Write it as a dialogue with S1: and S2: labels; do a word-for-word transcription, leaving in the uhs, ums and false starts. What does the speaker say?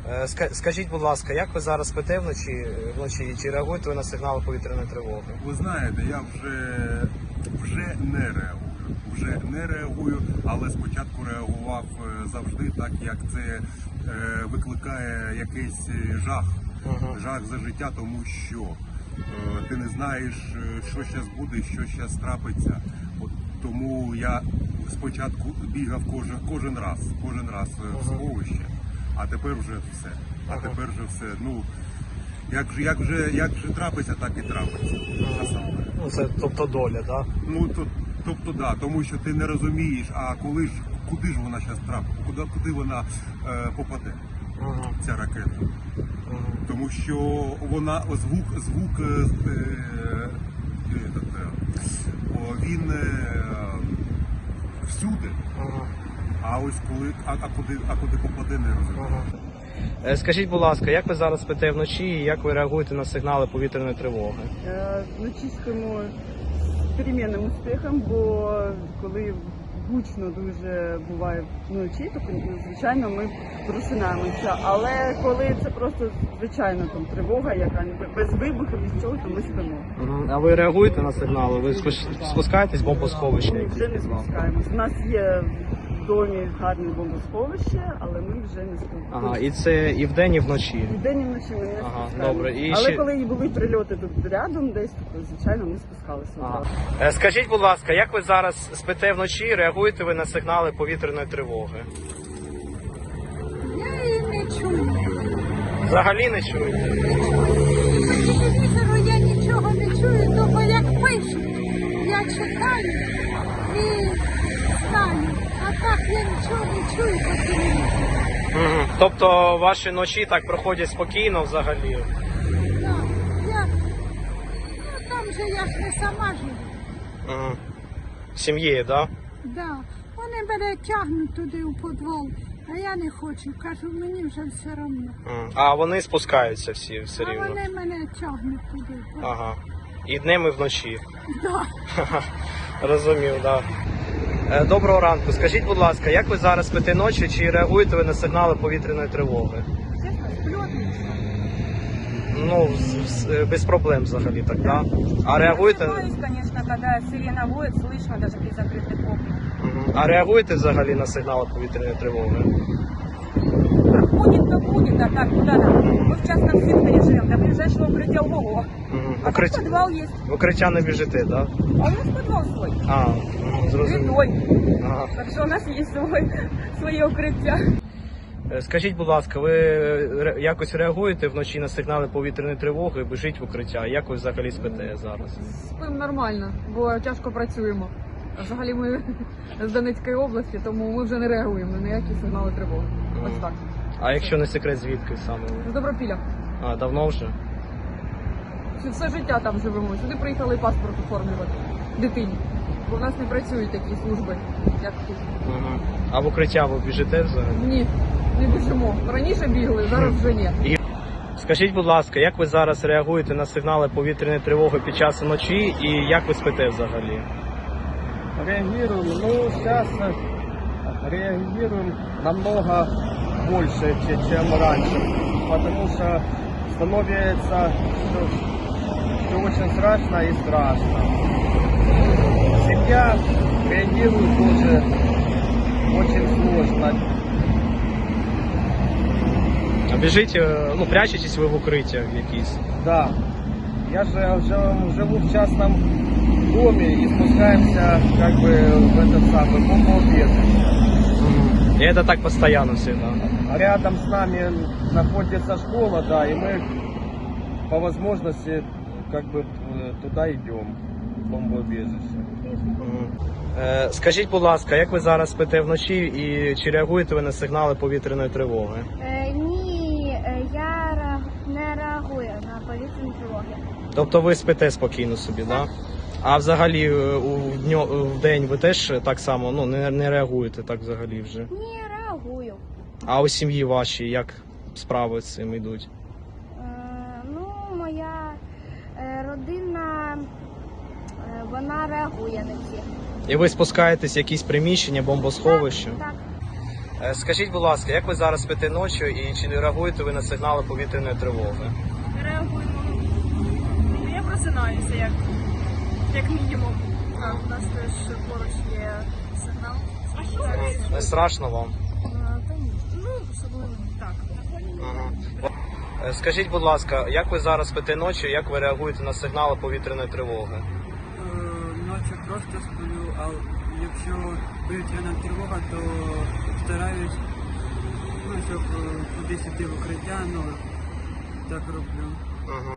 S1: Е, ска- Скажіть, будь ласка, як ви зараз спите вночі, вночі? Чи реагуєте ви на сигнали повітряної тривоги?
S2: Ви знаєте, я вже, вже не реагую. Вже не реагую, але спочатку реагував е, завжди так, як це е, викликає якийсь жах.
S1: Ага.
S2: Жах за життя, тому що е, ти не знаєш, е, що зараз буде, що зараз трапиться. От тому я спочатку бігав кожен, кожен раз, кожен раз в сховище, а тепер вже все. А
S1: Ага.
S2: тепер вже все. Ну, як же, як же, як же трапиться, так і трапиться. Насамперед.
S1: Ну, це тобто доля, да?
S2: Ну, то, тобто, да, тому що ти не розумієш, а коли ж, куди ж вона зараз трапить, куди, куди вона е, попаде,
S1: Ага.
S2: ця ракета.
S1: Ага.
S2: Тому що вона звук, звук е, е, е, о, він е, всюди,
S1: Ага.
S2: а ось коли, а, а куди, а куди попаде, не розумію.
S1: Ага. Е, Скажіть, будь ласка, як ви зараз спите вночі і як ви реагуєте на сигнали повітряної тривоги?
S3: Е, Вночі спимо з перемінним успіхом, бо коли гучно дуже буває вночі, то звичайно ми просинаємося. Але коли це просто звичайна там тривога, яка без вибуху, без цього, то ми спимо.
S1: А ви реагуєте на сигнали? Ви спус- спускаєтесь в бомбосховище?
S3: Ми
S1: якесь?
S3: вже не спускаємось. У нас є в домі гарне бомбосховище, але ми вже не спимо.
S1: Ага, і це і вдень, і вночі.
S3: І вдень і вночі ми не
S1: Ага,
S3: спускаємось.
S1: добре. І
S3: Але
S1: ще-
S3: коли і були прильоти тут рядом десь, то звичайно ми спускалися.
S1: Ага.
S3: одразу.
S1: Е, Скажіть, будь ласка, як ви зараз спите вночі, реагуєте ви на сигнали повітряної тривоги?
S4: Я її не чую.
S1: Взагалі не чуєте?
S4: По телевізору я нічого не чую, того як пишуть. Я читаю і знаю. А так я нічого не чую по телевізору.
S1: Мгм. Тобто ваші ночі так проходять спокійно взагалі?
S4: Так, я... Ну там же я ж не сама живу.
S1: Мгм. Сім'єю, так?
S4: Да. Вони мене тягнуть туди у підвал, а я не хочу. Кажу, мені вже все одно.
S1: Да? А вони спускаються всі все
S4: А
S1: рівно?
S4: вони мене тягнуть туди.
S1: Ага. І днем, і вночі.
S4: Да.
S1: Розумів, так. Да. Доброго ранку. Скажіть, будь ласка, як ви зараз спите ночі, чи реагуєте ви на сигнали повітряної тривоги?
S4: Чесно, сплю отлично.
S1: Ну, з- з- без проблем взагалі так, да? А реагуєте?
S5: Просыпаюсь, конечно, когда сирена воет, слышно даже при закрытых окнах.
S1: Мгм. А реагуєте взагалі на сигнали повітряної тривоги?
S5: Будет, то будет, а так куда нам? Мы в частном секторе живем, до ближайшего укрытия ого.
S1: Мгм.
S5: А
S1: Укриття-
S5: там подвал есть,
S1: В укриття не біжите, так? Да?
S5: а у нас подвал свой,
S1: А, мгм, зрозумів.
S5: святой.
S1: Ага.
S5: Так что у нас есть свой, своє укриття.
S1: Е, Скажіть, будь ласка, ви ре- якось реагуєте вночі на сигнали повітряної тривоги, біжіть в укриття? Як ви взагалі спите зараз?
S6: Спимо нормально, бо тяжко працюємо. А взагалі ми з Донецької області, тому ми вже не реагуємо на ніякі сигнали тривоги. Ось так.
S1: А якщо не секрет, звідки саме ви?
S6: З Добропілля.
S1: А, давно вже?
S6: Всі- Все життя там живемо. Сюди приїхали паспорт оформлювати дитині. Бо в нас не працюють такі служби, як тут.
S1: Угу. А в укриття ви біжите взагалі?
S6: Ні, не біжимо. Раніше бігли, зараз вже ні.
S1: Скажіть, будь ласка, як ви зараз реагуєте на сигнали повітряної тривоги під час ночі і як ви спите взагалі?
S7: Реагируем, ну, сейчас реагируем намного больше, че- чем раньше, потому что становится все, все очень страшно и страшно. Семья реагирует тоже очень сложно.
S1: А біжить, е, ну, прячетесь ви в укриттях якісь?
S7: Да, я же уже живу в частном доме и спускаемся как бы в этот самый бомбоубежище.
S1: І це так постійно всегда?
S7: Рядом с нами находится школа, да, и мы по возможности как бы э, туда идем, в бомбоубежище.
S1: Мгм. Е, Скажіть, будь ласка, як ви зараз спите вночі і чи реагуєте ви на сигнали повітряної тривоги?
S8: Е, ні, е, я ре- не реагую на повітряні тривоги.
S1: Тобто ви спите спокійно собі, так? Да? А взагалі е, у дньо, в день ви теж так само ну, не, не реагуєте так взагалі вже?
S8: Ні, реагую.
S1: А у сім'ї вашій як справи з цим йдуть?
S8: Е, ну, моя е, родина, е, вона реагує на всіх.
S1: І ви спускаєтесь в якісь приміщення, бомбосховища?
S8: Так,
S1: Е, Скажіть, будь ласка, як ви зараз спите ночі і чи не реагуєте ви на сигнали повітряної тривоги?
S5: Реагуємо. Я просинаюся, як, як мінімум. Так, у нас теж поруч є сигнал. Так,
S1: Не страшно вам?
S5: та ні. Ну, особливо так.
S1: Ага. Е, Скажіть, будь ласка, як ви зараз спите ночі, як ви реагуєте на сигнали повітряної тривоги?
S9: Ночі просто сплю, а якщо повітряна тривога, то стараюсь, ну, щоб е, кудись іти в укриття, ну, так роблю.
S1: Ага.